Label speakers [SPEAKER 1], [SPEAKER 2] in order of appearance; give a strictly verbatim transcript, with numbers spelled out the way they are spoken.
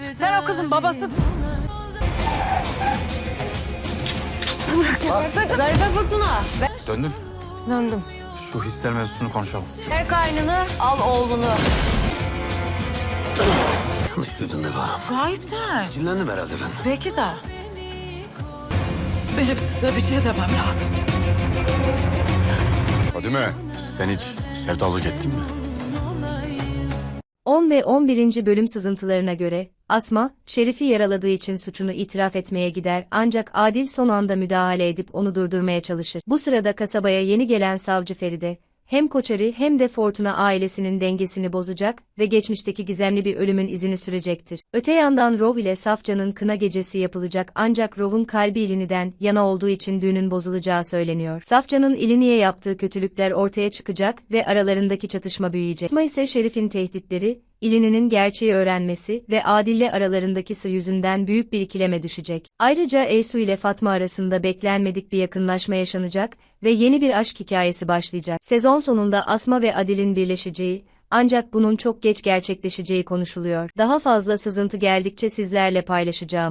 [SPEAKER 1] söyleyeceğim. Sen o kızın babası...
[SPEAKER 2] Zarife Fırtına.
[SPEAKER 3] Döndün.
[SPEAKER 2] Döndüm.
[SPEAKER 3] Şu hisler mevzusunu konuşalım.
[SPEAKER 2] Ver kaynını, al oğlunu.
[SPEAKER 4] Yanlış duydun Neva.
[SPEAKER 1] Gayip de.
[SPEAKER 4] Cinlendim herhalde ben.
[SPEAKER 1] Belki de. Benim size bir şey demem lazım.
[SPEAKER 3] Fadime, sen hiç sevdalık ettin mi?
[SPEAKER 5] on ve on birinci bölüm sızıntılarına göre, Asma, Şerif'i yaraladığı için suçunu itiraf etmeye gider ancak Adil son anda müdahale edip onu durdurmaya çalışır. Bu sırada kasabaya yeni gelen savcı Feride, hem Koçarı hem de Fortuna ailesinin dengesini bozacak ve geçmişteki gizemli bir ölümün izini sürecektir. Öte yandan Rov ile Safcan'ın kına gecesi yapılacak ancak Rov'un kalbi İlini'den yana olduğu için düğünün bozulacağı söyleniyor. Safcan'ın İlini'ye yaptığı kötülükler ortaya çıkacak ve aralarındaki çatışma büyüyecek. Asma ise Şerif'in tehditleri, İlini'nin gerçeği öğrenmesi ve Adil'le aralarındaki sır yüzünden büyük bir ikileme düşecek. Ayrıca Eysu ile Fatma arasında beklenmedik bir yakınlaşma yaşanacak ve yeni bir aşk hikayesi başlayacak. Sezon sonunda Asma ve Adil'in birleşeceği, ancak bunun çok geç gerçekleşeceği konuşuluyor. Daha fazla sızıntı geldikçe sizlerle paylaşacağım.